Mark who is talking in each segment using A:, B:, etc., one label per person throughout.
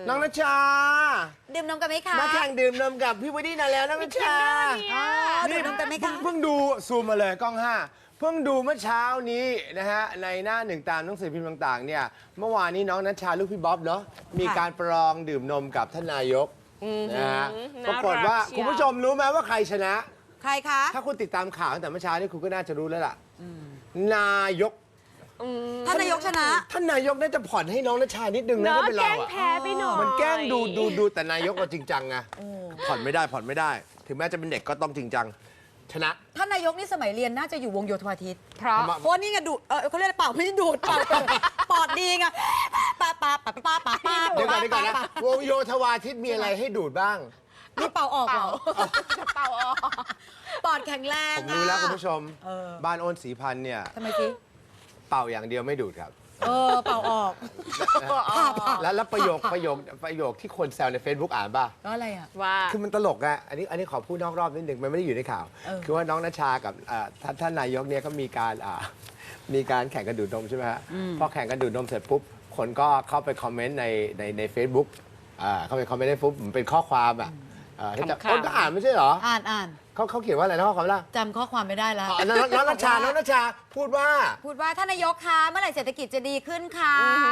A: น้องณชา
B: ดื่มนมกันไหมคะ
A: มาแข่งดื่มนมกับพี่วูดดี้นานแล้วน้องณชา
B: ดื่มนมกันไหมคะ
A: เพิ่งดูซูมมาเลยกล้อง5เพิ่งดูเมื่อเช้านี้นะฮะในหน้าหนึ่งตามหนังสือพิมพ์ต่างๆเนี่ยเมื่อวานนี้น้องณชาลูกพี่บ๊อบเนาะมีการประลองดื่มนมกับท่านนายกนะฮะปรากฏว่าคุณผู้ชมรู้ไหมว่าใครชนะ
B: ใครคะ
A: ถ้าคุณติดตามข่าวตั้งแต่เมื่อเช้านี่คุณก็น่าจะรู้แล้วล่ะนายก
B: ท่านนายกชนะ
A: ท่านนายกน่าจะผ่อนให้น้องณชานิดนึงนะถ้าเป็นเราอะ
C: แพ้ไปหน่อย
A: มันแกล้งดูแต่นายกเราจริงจังไงผ่อนไม่ได้ถึงแม้จะเป็นเด็กก็ต้องจริงจังชนะ
B: ท่านนายกนี่สมัยเรียนน่าจะอยู่วงโยธวาทิตเพ
A: ราะ
B: นี่ไงดูดเขาเรียกเปล่าไม่ใช่ดูดเปล่าปอดดีไงป้า
A: เดี๋ยวก่อนนะวงโยธวาทิตมีอะไรให้ดูดบ้าง
B: นี่เป่าออกเหรอเป่าออกปอดแข็งแรง
A: ผมรู้แล้วคุณผู้ชมบ้านโอนศรีพันธ์เนี่ย
B: ทำไมสิ
A: เป่าอย่างเดียวไม่ดูดครับ
B: เป่าออก
A: แล้วประโยคที่คนแซวใน Facebook อ่านป่ะ
B: ก็อะไรอ่ะ
C: ว่า
A: คือมันตลกอะอันนี้ขอพูดนอกรอบนิดนึงมันไม่ได้อยู่ในข่าวคือว่าน้องณชากับท่านนายกเนี่ยก็มีการแข่งกันดูดนมใช่ไหมฮะพอแข่งกันดูดนมเสร็จปุ๊บคนก็เข้าไปคอมเมนต์ใน Facebook เข้าไปคอมเมนต์ในFacebookมันเป็นข้อความอ่ะคนก็อ่านไม่ใช่เหรอ
B: อ่าน
A: เขาเขียนว่าอะไรนะข้อความล่ะ
B: จำข้อความไม่ได้แล้ว
A: น้องณชาพูดว่า
B: ท่านนายกคะเมื่อไหร่เศรษฐกิจจะดีขึ้นคะ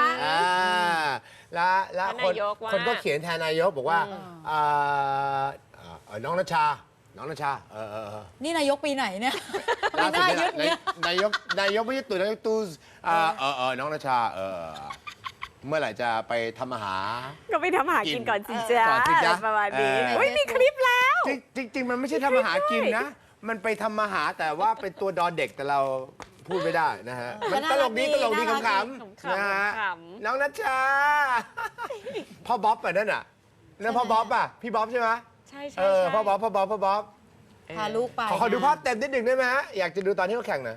A: แล้วคนก็เขียนแทนนายกบอกว่าน้องณชา
B: นี่นายกปีไหนเนี่ยปีหน้ายึดเนี่ย
A: นายกไม่ใช่ตู่นายกตู่น้องณชาเมื่อไหร่จะไปทำอาหาร
C: ก็ไปทำอาหารกินก่อนสิจ๊ะประมาณนี้มีคลิปแล้ว
A: จริงมันไม่ใช่ทำอาหารกินนะมันไปทำอาหารแต่ว่าเป็นตัวดอเด็กแต่เราพูดไม่ได้นะฮะมันตลกดีขำๆนะฮะน้องณชาพ่อบ๊อบนั่นน่ะนั่นพ่อบ๊อบป่ะพี่บ๊อบใช่ไหม
C: ใช่
A: พ่อบ๊อบ
B: พาลูกไป
A: ขอดูภาพเต็มนิดหนึ่งได้ไหมฮะอยากจะดูตอนที่เขาแข่งหน่อย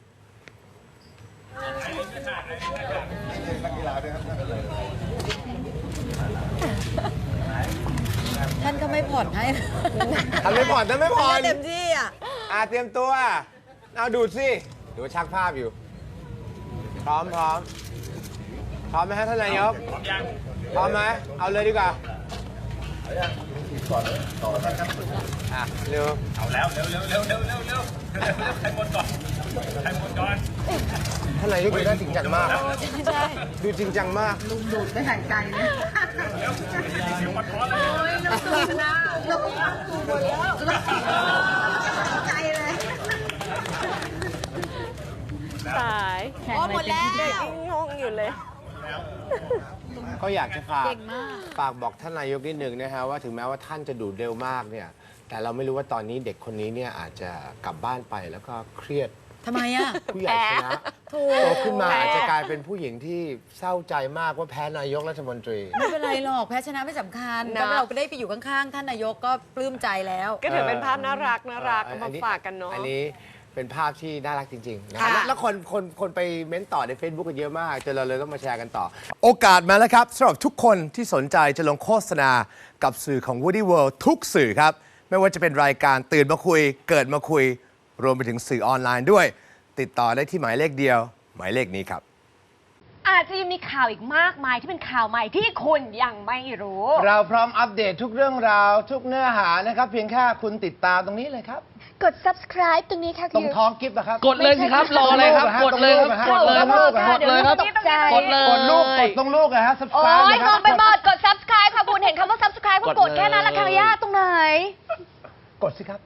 B: ท่านก็ไม่ผ่อนให้
A: ท่านไม่ผ่อน
B: เต็มที่
A: เตรียมตัวเอาดูดสิดูชักภาพอยู่พร้อมไหมฮะท่านนายกพร้อมไหมเอาเลยดีกว่าเร็ว
D: เอาแล้วเร็วใครหมดก่อน
A: ท่านนายกดูน่าจริงจังมาก
B: ใช่
A: ดูจริงจังมาก
B: ลุงดูดไม่ห่างใจเลยลุงนะลุงหมดแล้วใจเลย
C: ตาย
B: หมดแล้ว
C: งงอยู่เลย
A: ก็อยากจะฝากบอกท่านนายกนิดหนึ่งนะฮะว่าถึงแม้ว่าท่านจะดูดเร็วมากเนี่ยแต่เราไม่รู้ว่าตอนนี้เด็กคนนี้เนี่ยอาจจะกลับบ้านไปแล้วก็เครียด
B: ทำไมอ่ะ
A: ผู้ใหญ่ชนะโตขึ้นมาอาจจะกลายเป็นผู้หญิงที่เศร้าใจมากว่าแพ้นายกรัฐมนตรี
B: ไม่เป็นไรหรอกแพ้ชนะไม่สำคัญแต่เราก็ได้ไปอยู่ข้างๆท่านนายกก็ปลื้มใจแล้ว
C: ก็ถือเป็นภาพน่ารักมาฝากกันเนาะ
A: อันนี้เป็นภาพที่น่ารักจริงๆนะแล้วคนไปเม้นต่อใน Facebook กันเยอะมากจนเราเลยต้องมาแชร์กันต่อโอกาสมาแล้วครับสำหรับทุกคนที่สนใจจะลงโฆษณากับสื่อของ Woody World ทุกสื่อครับไม่ว่าจะเป็นรายการตื่นมาคุยเกิดมาคุยรวมไปถึงสื่อออนไลน์ด้วยติดต่อได้ที่หมายเลขเดียวหมายเลขนี้ครับ
E: อาจจะยังมีข่าวอีกมากมายที่เป็นข่าวใหม่ที่คุณยังไม่รู้
A: เราพร้อมอัปเดตทุกเรื่องราวทุกเนื้อหานะครับเพียงแค่คุณติดตามตรงนี้เลยครับ
E: กด subscribe ตรงนี้ค่ะ
A: ตรงท้องกิฟต์นะครับ
F: กดเลยสิครับรออะไรครับกดเลยครับกดเลยครับกดเลยครับกดเลย
A: กดลูกกดตรงลูกนะฮะ subscribe
E: โอ้ยงงไปหมดกด subscribe ค่ะคุณเห็นคำว่า subscribe ก็กดแค่นั้นละค่ะย่าตรงไหน
A: กดสิครับ